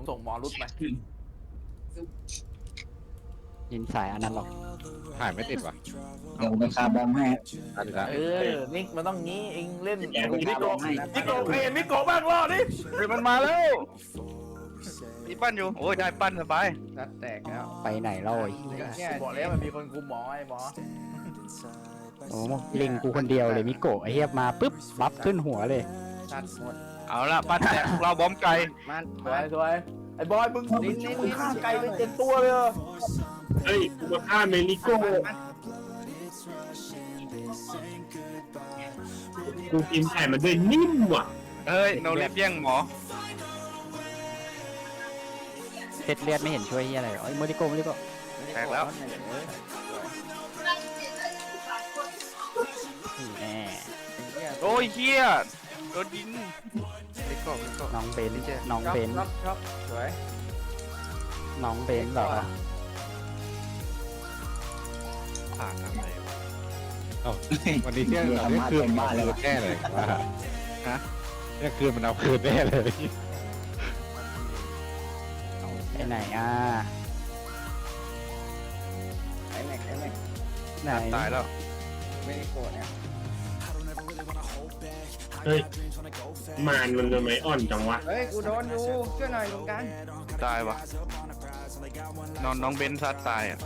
ผมส่งหมอรุดไปยินสายอันนั้นหรอกถ่ายไม่ติดว่ะเดี๋ยวไปคาร์บอมให้ตัดอีกแล้วนิกมันต้องงี้เองเล่นแกไปมิคาร์โกบอมให้มิโกะเห็นมิโกะบ้างรอดิเฮ้ยมันมาแล้วมีปั้นอยู่โอ้ยได้ปั้นสบายรัดแตกแล้วไปไหนเล่าไอ้บอกแล้วมันมีคนคุมหมอไอ้หมอโอ้ลิงกูคนเดียวเลยมิโกะไอ้เหี้ยมาปุ๊บบัฟขึ้นหัวเลยตัดหมดเอาละปั้นแตกเราบอมไก่มันสวยสวยไอ้บอยมึงฆ่าไก่ไป7 ตัวเลยเฮ้ยกูมาฆ่าเมนิโก้กูกินไข่มันด้วยนิ่มว่ะเฮ้ยโนเล็บแย่งหมอเซ็ตเลือดไม่เห็นช่วยเหี้ยอะไรหรอไอ้โมดิโกโมดิโกแตกแล้วนี่แน่โอ้ยเฮียโดนยิงไปก่อนน้องเบนน้องเบนช็อปสวยน้องเบนเหรอผ่านทำไมวะวันนี้เที่ยงเราเนี่ยคืนมันเอาคืนแน่เลยว่าเนี่ยคืนมันเอาคืนแน่เลยไปไหนอ่ะไอ้แม็กไหนตายแล้วไม่ได้โกรธเนี่ยเฮ้ยมานมันทำไมอ่อนจังวะเฮ้ยกูโดนอยู่ช่วยหน่อยตรงกลางตายวะน้องเบนซัดตายอ่ะ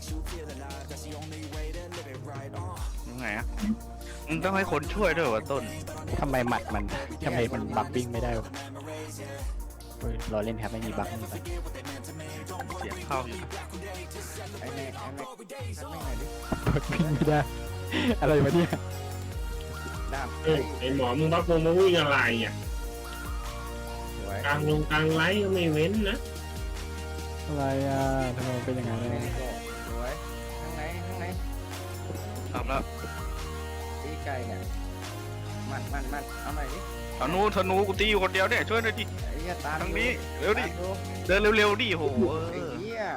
ยังไงอ่ะมึงต้องให้คนช่วยด้วยวะต้นทำไมหมัดมันทำไมมันบักบิ้งไม่ได้วะเฮ้ยรอเล่นครับไม่มีบักไม่มีบักเสียงเข้าอยู่ไอ้แม็กทักไม่หน่อยดิบักบิ้งไม่ได้ อะไรวะเนี่ยดาบเฮ้ยไอหมอมึงบักวงมาวิ่งอะไรอ่ะสวยกลางลงกลางไลท์ก็ไม่เว้นนะอะไรอ่ะทำไมมันเป็นอย่างนั้นไม่เลยได้โกรธสวยข้างในทำแล้วตีไก่เนี่ยมันเอาหน่อยดิธนูกูตีอยู่คนเดียวเนี่ยช่วยหน่อยดิไอ้เหี้ยตามทางนี้เร็วดิตามดูเดินเร็วๆดิโหไอ้เหี้ย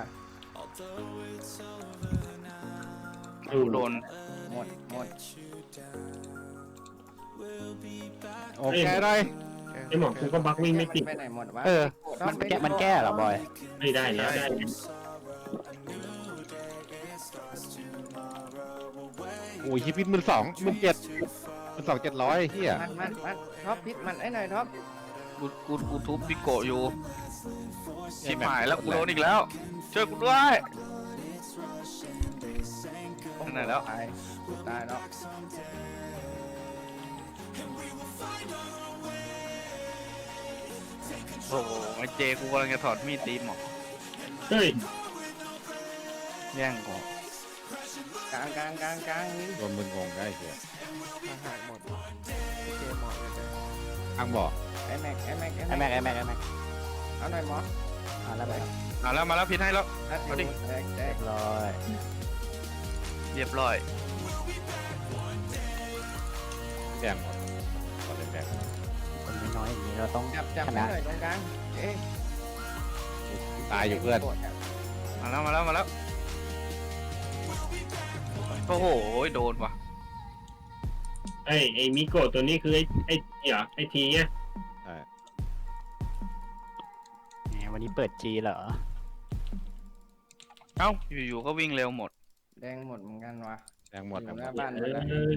โดนหมดโอเคได้ไอหมอกูก็บักวิ่งไม่ติดไปไหนหมดวะเออมันแก้เหรอบอยไม่ได้แล้วได้โอ้ยฮิปปี้17,000 เฮียมันท็อปพิษมันไอ้หน่อยท็อปกูทุบพิโกะอยู่ชิบหายแล้วกูโดนอีกแล้วช่วยกูด้วยไหนแล้วตายแล้วโอ้โหไอเจกูกำลังจะถอดมีดตีหมอเฮ้ยแย่งกูกลางนี่โดนมึงงงได้เฮียอาหารหมดเจหมดเลยอังบอกไอ้แม็กไอ้แม็กเอาหน่อยหมอมาแล้วไปมาแล้วพิษให้แล้วเอาดิแตกร้อยเรียบร้อยแดงหมดขอเล่นแดงคนน้อยๆอย่างนี้เราต้องจับชให้นะหน่อยตรงกลางเอ๊ะตายอยู่เพื่อนมาแล้วโอ้โหโดนว่ะไอมิโกะตัวนี้คือไอเหรอไอทีเนี่ยใช่แหมวันนี้เปิดจีเหรอเอ้าอยู่ๆก็วิ่งเร็วหมดแดงหมดเหมือนกันวะแดงหมดอครับยู่หน้าบ้านเอเลยนะ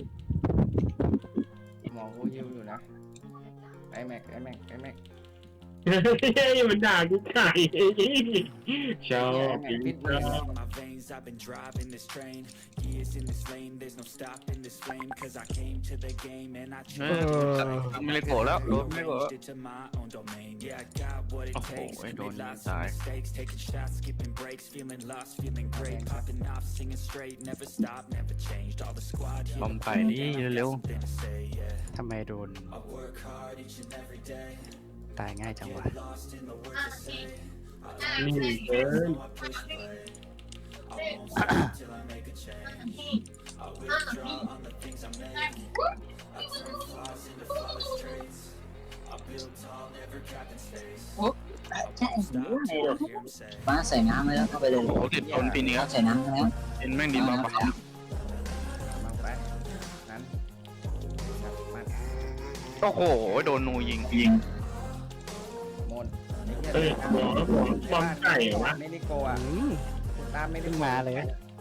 อหมอกูยิวอยู่นะไอ้แม็กเฮ้ยมันด่ากูไก่ชอบพิษมึง my veins, I've been driving this train. Years in this lane, there's no stopping this flame. Cause I came to the game and I ไม่เลยโกรธแล้วโดนไม่โกรธ changed it to my own domain. Yeah, I got what it Oh, takes. I don't Made lots need of that. mistakes, taking shots, skipping breaks, feeling lost, feeling great. Popping off, singing straight, never stopped, never changed. All the squad, here บอมไก่นี่เร็ว something to say, yeah. ทำไมโดน I work hard each and every day. ตายง่ายจังวะ Lost in the words I say. นี่เกิน I push play. I won't stop till I make a change. I withdraw on the things I make. I turn flaws into flawless traits. I build tall, never trapped in space. I won't stop till I hear 'em say. ฟ้าใส่น้ำไปแล้วเข้าไปเลยๆโอ้โหติดโดนปีนี้ใส่น้ำไปแล้วเป็นแม่งดีมากปะมาไปนั้นมันโอ้โหโดนนูยิงหมดไอ้เฮ้ยหมอบอมไก่เหรอวะเมนิโกอ่ะอืมตามเมนิเพิ่งโกมาเลย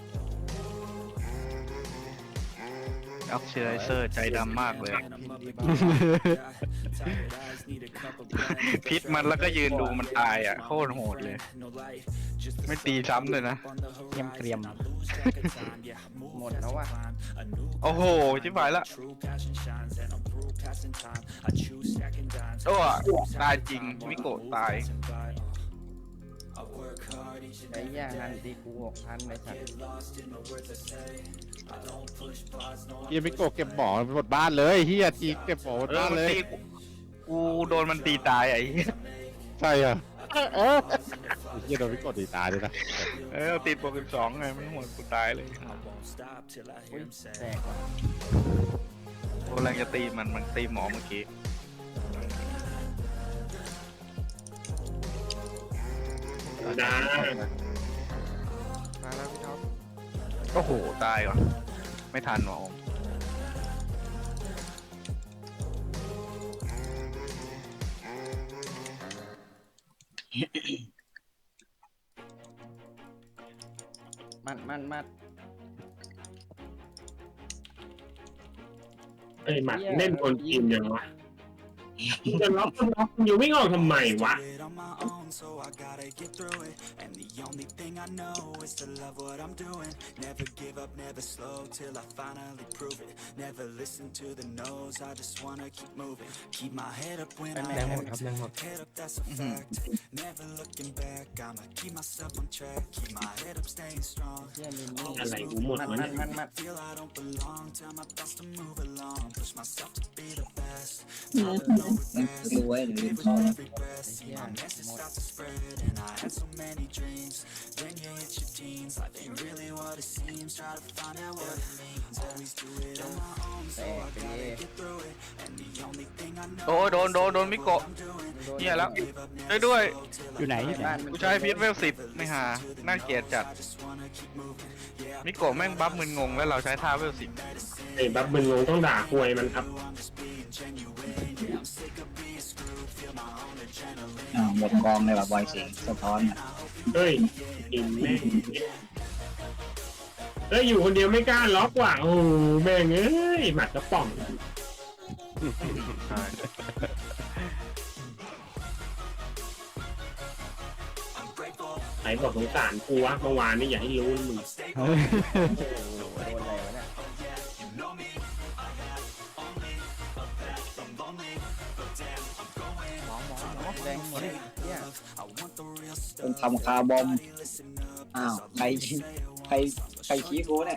ออกซิไดเซอร์ใจดำมากเลย พิษมันแล้วก็ยืนดูมันตายอ่ะโคตรโหดเลย ไม่ตีซ้ำเลยนะเกรียมเกรียมหมดแล้วว่ะโอ้โหชิบหายละโอ้ตายจริงมิโกะตายไอ้ย่างนั้นตีกู6,000เลยสัตว์เฮียมิโกะเก็บหมอหมดบ้านเลยเฮียจีเก็บหมอหมดบ้านเลยกูโดนมันตีตายไอ้เหี้ยใช่เหรอเฮียโดนมิโกะตีตายด้วยนะติดโปรแกรม2ไงมันหัวกูตายเลยอุ้ยแตกว่ะโอ้แรงจะตีมันตีหมอเมื่อกี้ดามาแล้วพี่ท็อปโอ้โหตายว่ะไม่ทันหมอมัดไอ้หมัดเล่นคนกินยังวะจะล็อกอยู่ไม่ออกทำไมวะ So I gotta get through it, and the only thing I know is to love what I'm doing. Never give up, never slow till I finally prove it. Never listen to the no's, I just wanna keep moving. Keep my head up when I act. Head up, that's a fact. Never looking back, I'ma keep myself on track. Keep my head up, staying strong. เยี่ยมินนี่อะไรกูหมดวะเนี่ยมัด Feel I don't belong, tell my thoughts to move along. Push myself to be the best. รวยหรือเขา Every breath, see my message start to spread, and I had so many dreams. Then you hit your teens, life ain't really what it seems. Try to find out what it means. Always do it on my own, so I gotta get through it. And the only thing I know โอ้โดนมิโกะเหี้ยแล้วช่วยด้วยอยู่ไหนอยู่ไหนกูใช้พีทเวล10ไม่หาน่าเกลียดจัดมิโกะแม่งบัฟมึนงงแล้วเราใช้ท่าเวล10 ไอ้บัฟมึงงงต้องด่าควยมันครับหมดกองเลยแบบบอยสิงสะท้อนอ่ะเฮ้ยกินแม่งเฮ้ยอยู่คนเดียวไม่กล้าล็อกว่ะโอ้โหแม่งเอ้ยหมัดกระป๋องไหนบอกสงสารกูวะเมื่อวานนี่อย่าให้รู้มึงโดนอะไรวะเนี่ยแรงหมดเลยเนี่ยต้องทำคาร์บอมอ้าวใครชี้กูเนี่ย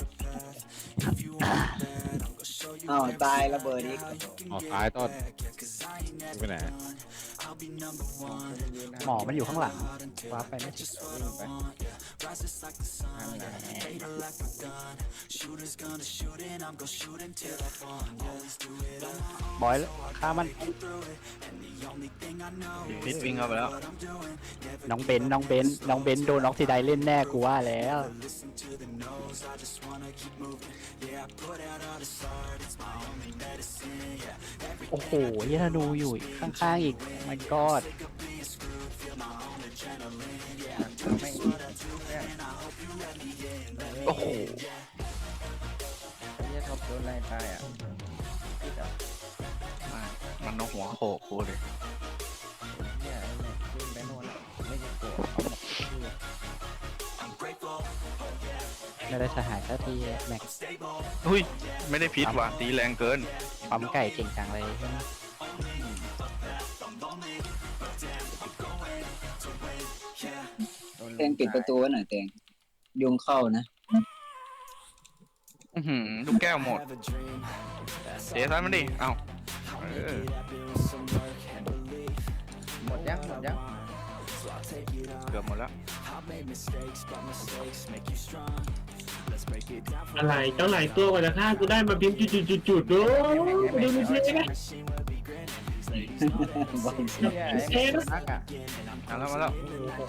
อ้าวตายระเบิดอีกออกท้ายต้นไปไหนหมอมันอยู่ข้างหลังว้าไปไม่ถึงวิ่งไปอันไหนบอยฆ่ามันพีทวิ่งเข้าไปแล้วน้องเบนโดนออกซิไดเล่นแน่กูว่าแล้ว โอ้โหเฮียธนูอยู่ข้างๆอีกมันกอดโอ้โหเยี่ยท็อปโดนอะไรตายอ่ะมันเอาหัวโขกกูเลยเยี่ยเนี่ยขึ้นไปโน่นแล้วไม่จะโกรธไม่ได้สหายสักทีแม็กอุ้ยไม่ได้พิษว่ะตีแรงเกินปั๊มไก่เก่งจังเลยเตงปิดประตูไว้หน่อยเตงยุงเข้านะลูกแก้วหมดเสียทันมันดิเอ้าหมดยังเกือบหมดแล้วอะไรเจ้าหลายตัวกว่าจะฆ่ากูได้มาพิมพ์จุดๆๆๆดูดูดูสินะบอยสิงเยี่ยไอ้นักอ่ะมาแล้ว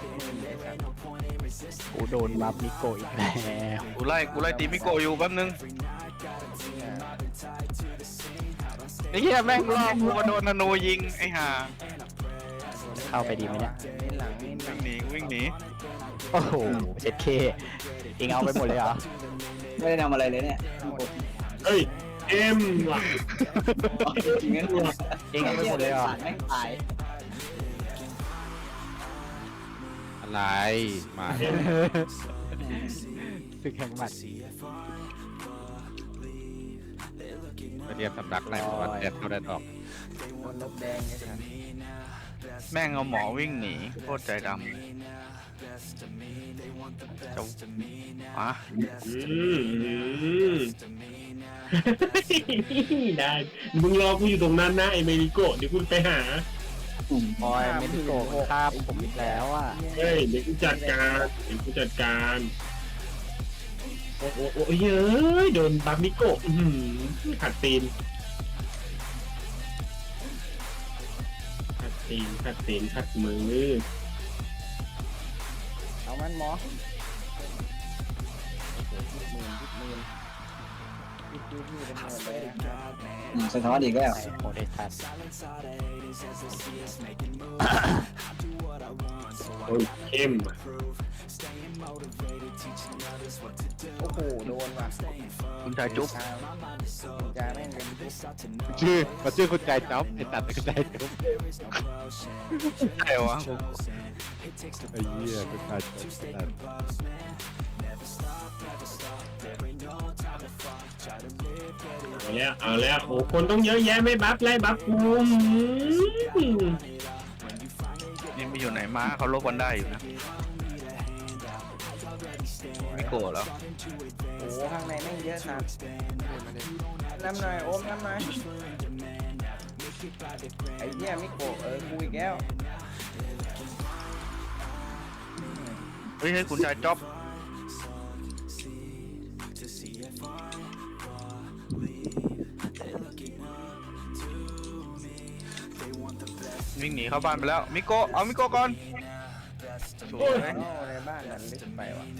กูโดนบัฟนิโกอีกแล้วกูไล่ตีมิโกะอยู่แป๊บนึงไอ้เหี้ยแม่งรอบกูมาโดนนาโนยิงไอ้ห่าเข้าไปดีไหมเนี่ยเน้นหลังเน้นหลัวิ่งงหนีวิ่งหนีโอ้โหเจ็ดเคเองเอาไปหมดเลยเหรอไม่ได้ทำอะไรเลยเนี่ยเฮ้ยเอ็มว่ะจริงงั้นเองเอาไปหมดเลยเหรอแม่งตายอะไรมาสึกแข่งหมัดไปเรียนสำนักไหนว่าแดดเข้าแดดออกโดนลบแดงไอ้สัสแม่งเอาหมอวิ่งหนีโคตรใจดำเลยจะอ่ะได้มึงรอกูอยู่ตรงนั้นนะไอเมริโกะเดี๋ยวกูไปหาบอยเมดิโกะฆ่าผมอีกแล้วอ่ะเฮ้ยเดี๋ยวกูจัดการโอ้โหโอ้ยเฮ้ยโดนบัฟมิโกะขัดตีนขัดมือเอามันหมอมือเป็นหมื่นเลยนะครับสะท้อนอีกแล้วโหได้ทัดโอ้ยเข้มอ่ะโอ้โหโดนว่ะคุณชายจุ๊บคุณจาแม่งเป็นจุ๊บชื่อคุณใจจ๊อบไอ้ตัดคุณใจจ๊อบใช่วะไอ้เหี้ยคุณใจจ๊อบเอาแล้วโอ้คนต้องเยอะแยะไม่บัฟไล่บัฟกูนี่ไปอยู่ไหนมาเขาลบกันได้อยู่นะไม่โกรธแล้วโอ้โหข้างในแม่งเยอะสัสน้ำหน่อยโอมน้ำหน่อยไอ้เหี้ยมิโกะกูอีกแล้วเฮ้ยให้คุณชายจ๊อบวิ่งหนีเข้าบ้านไปแล้วมิโกะเอามิโกะก่อนสวยโอ้ในบ้านมันลึกไปว่ะ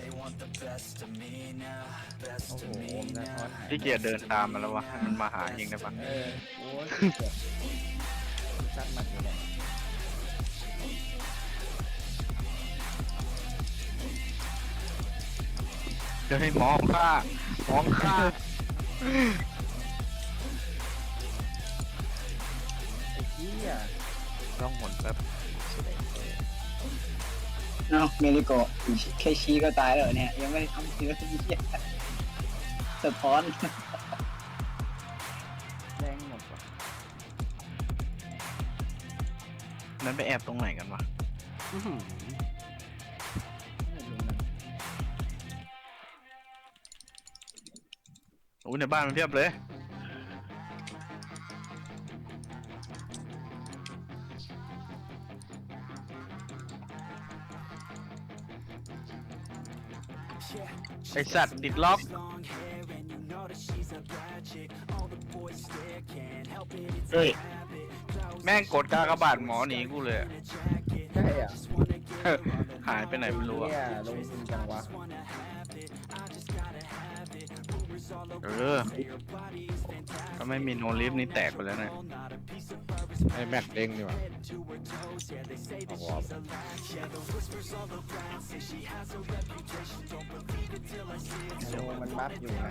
โอ้โหโอมสะท้อนหายพี่เกียรเดินตามมาแล้ววะให้มันมาหาเองได้ปะโอ้ยซัดหมัดอยู่เนี่ยเดี๋ยวให้มองข้าไอ้เหี้ยต้องหมุนแป๊บเนาะเมริโกะแค่ชี้ก็ตายแล้วเนี่ย ยังไม่ได้ทำเชื้อที่เหี้ยสะท้อนแรงหมดว่ะนั้นไปแอบตรงไหนกันวะไม่รู้นะโอ้ยในบ้านมันเพียบเลยไอสัตว์ติดล็อกเฮ้ยแม่งกดกากบาทหมอหนีกูเลยอะใช่อ่ะหายไปไหนไม่รู้อะเนี่ยลงทุนจังวะถ้าไม่มีโนลิฟนี่แตกไปแล้วเนี่ยไอ้แม็กเด้งดีกว่าเอาวอร์มโลมันบัฟอยู่นะ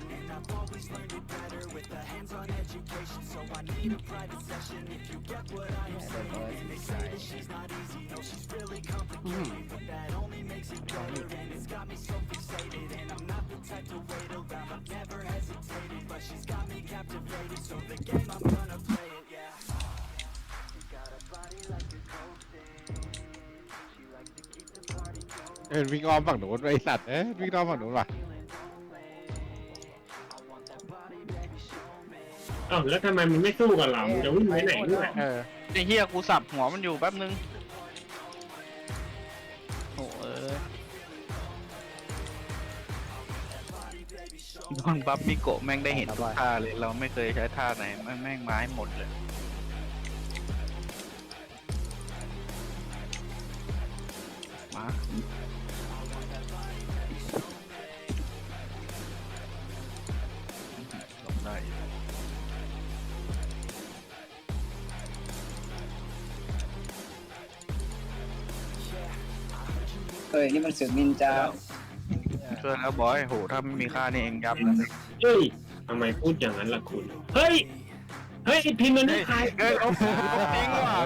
วิ่งอ้อมฝั่งหนูนไอ้สัตว์วิ่งอ้อมฝั่งหนูนว่ะอ้าวแล้วทำไมมันไม่สู้กับเราจะวิ่งไปไหนด้วยไอ้เฮียกูสับหัวมันอยู่แป๊บนึงโอ้โดนบัฟมิโกะแม่งได้เห็นทุกท่าเลยเราไม่เคยใช้ท่าไหนแม่งมาให้หมดเลยมาลงได้เอ้ยนี่มันศึกนินจาช่วยแล้วบอยโหถ้าไม่มีค่านี่เองยับเลยเฮ้ยทำไมพูดอย่างนั้นล่ะคุณ เฮ้ย เฮ้ยพิมพ์มันไม่ขายเฮ้ยลบทิ้งว่ะ